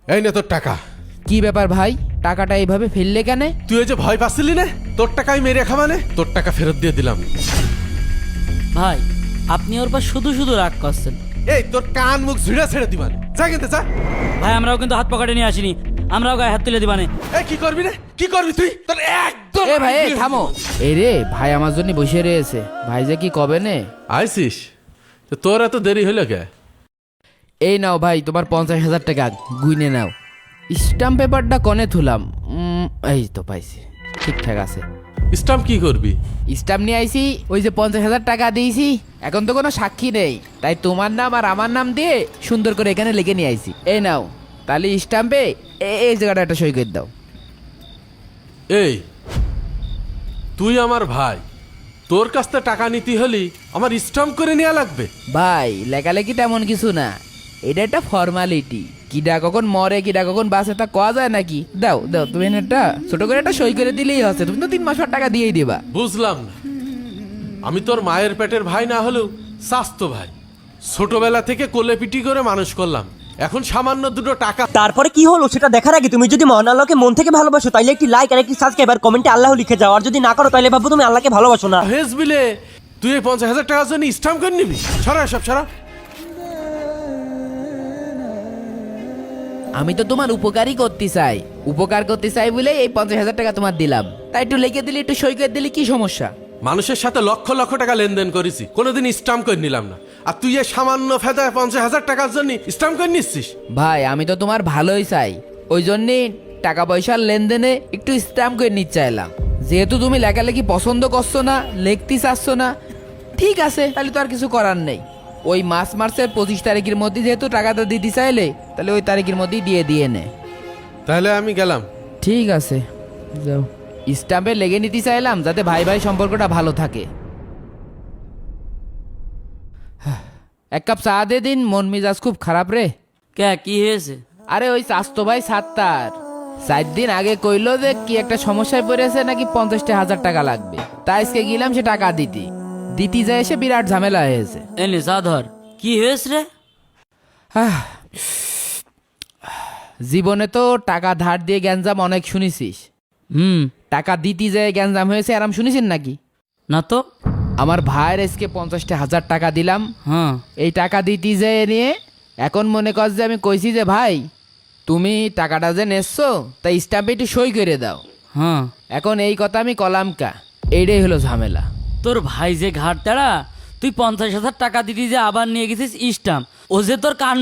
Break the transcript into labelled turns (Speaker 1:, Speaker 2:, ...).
Speaker 1: এই নে তোর টাকা।
Speaker 2: কি ব্যাপার ভাই, টাকাটা এইভাবে ফেললে কেন?
Speaker 1: তুই ওই যে ভয় পাচ্ছিলি না, তোর টাকাই মেরে খামানে, তোর টাকা ফেরত দিয়ে দিলাম।
Speaker 3: ভাই আপনি ওর পর শুধু শুধু রাগ করছেন।
Speaker 1: এই তোর কান মুখ ঝুড়া ছেড়ে দিবানে, যা কিনতে যা।
Speaker 3: ভাই আমরাও কিন্তু হাত পকেটে নিয়ে আসিনি, আমরাও গায়ে হাত তুলে দিবানে।
Speaker 1: এই কি করবি রে, কি করবি তুই? তোর একদম
Speaker 2: এ ভাই এ থামো। এই রে ভাই আমার জন্য বসে রয়েছে, ভাই যে কি কবে নে।
Speaker 1: আইসিস তো তোর এত দেরি হইল কে?
Speaker 2: এই নাও ভাই তোমার 50,000 টাকা, গুইনে নাও। স্টাম্প পেপারটা কনে থুলাম? এই তো পাইছি, ঠিকঠাক আছে।
Speaker 1: স্টাম্প কি করবি?
Speaker 2: স্টাম্প নিয়ে আইছি, ওই যে 50,000 টাকা দিয়েছি, এখন তো কোনো সাক্ষী নেই, তাই তোমার নাম আর আমার নাম দিয়ে সুন্দর করে এখানে লিখে নিয়ে আইছি। এই নাও, তাহলে স্টাম্পে এই জায়গাটা একটা সই করে দাও।
Speaker 1: এই তুই আমার ভাই, তোর কাছ থেকে টাকা নিতে হলি আমার স্টাম্প করে নেওয়া লাগবে?
Speaker 2: ভাই লেখালেখি তেমন কিছু না, এটা একটা ফর্মালিটি। কিডা কখন মরে কিডা কখন বাঁচে তা কওয়া যায় নাকি? দাও দাও, তুমি একটা ছোট করে একটা সই করে দিলেই হচ্ছে, তুমি তো 3 মাস পর টাকা দিয়েই দিবা।
Speaker 1: বুঝলাম না, আমি তোর মায়ের পেটের ভাই না হলেও স্বাস্থ্য ভাই, ছোটবেলা থেকে কোলে পিটি করে মানুষ করলাম, এখন সামান্য দুটো টাকা।
Speaker 4: তারপরে কি হলো সেটা দেখার আগে তুমি যদি মহান আল্লাহকে মন থেকে ভালোবাসো তাহলে একটি লাইক আর একটি সাবস্ক্রাইব আর কমেন্টে আল্লাহ লিখে যাও, আর যদি না করো তাহলে ভাবো তুমি আল্লাহকে ভালোবাসো না।
Speaker 1: হেস বিলে তুই এই 50,000 টাকার জন্য স্টাম্প করে নিবি? সরা সব সরা।
Speaker 2: আমি তো তোমার উপকারই করতে চাই, উপকার করতে চাই বলে এই 50,000 টাকা তোমার দিলাম, তাই একটু লিখে দিলে একটু সই করে দিলে কি সমস্যা?
Speaker 1: মানুষের সাথে লক্ষ লক্ষ টাকা লেনদেন করেছি, কোনোদিন স্টাম্প করে নিলাম না, আর তুই এই সামান্য ফেদায় 50,000 টাকার জন্য স্টাম্প করে নিচ্ছিস?
Speaker 2: ভাই আমি তো তোমার ভালোই চাই, ওই জন্যে টাকা পয়সার লেনদেনে একটু স্ট্যাম্প করে নিতে চাইলাম। যেহেতু তুমি লেখালেখি পছন্দ করছো না, লিখতে চাচ্ছ না, ঠিক আছে, তাহলে তো আর কিছু করার নেই। ওই মার্চের 25 তারিখের মধ্যে যেহেতু টাকাটা দিতে চাইলে, তাহলে ওই তারিখের মধ্যেই দিয়ে নে।
Speaker 1: তাহলে আমি গেলাম।
Speaker 2: ঠিক আছে যাও। স্ট্যাম্পে লেগে নিতে চাইলাম যাতে ভাই ভাই সম্পর্কটা ভালো থাকে। এক কাপ চা দে দিন, মন মেজাজ খুব খারাপ রে।
Speaker 3: কে কি হয়েছে?
Speaker 2: আরে ওই চাস্তো ভাই 4 দিন আগে কইলো যে কি একটা সমস্যায় পড়েছে, নাকি 50,000 টাকা লাগবে, তাই আজকে গেলাম সে টাকা দিতে যায় এসে বিরাট ঝামেলা হয়েছে।
Speaker 3: এনে চা ধর, কি হয়েছে রে?
Speaker 2: জীবনে তো টাকা ধার দিয়ে গ্যাঞ্জাম অনেক শুনেছিস, টাকা দিতে যায় গ্যাঞ্জাম হয়েছে আরাম শুনেছেন নাকি?
Speaker 3: না তো।
Speaker 2: আমার ভাইয়ের আজকে 50,000 টাকা দিলাম,
Speaker 3: হ্যাঁ
Speaker 2: এই টাকা দিতে যায় নিয়ে এখন মনে কর যে আমি কইছি যে ভাই তুমি টাকাটা যে নেছো তাই স্ট্যাম্পে একটু সই করে দাও।
Speaker 3: হ্যাঁ,
Speaker 2: এখন এই কথা আমি কলাম কা, এইটাই হলো ঝামেলা।
Speaker 3: তোর ভাই যে ঘাট তাড়া, তুই 50,000 টাকা দিতি যে আবার নিয়ে গেছিস স্টাম্প, ও যে তোর কান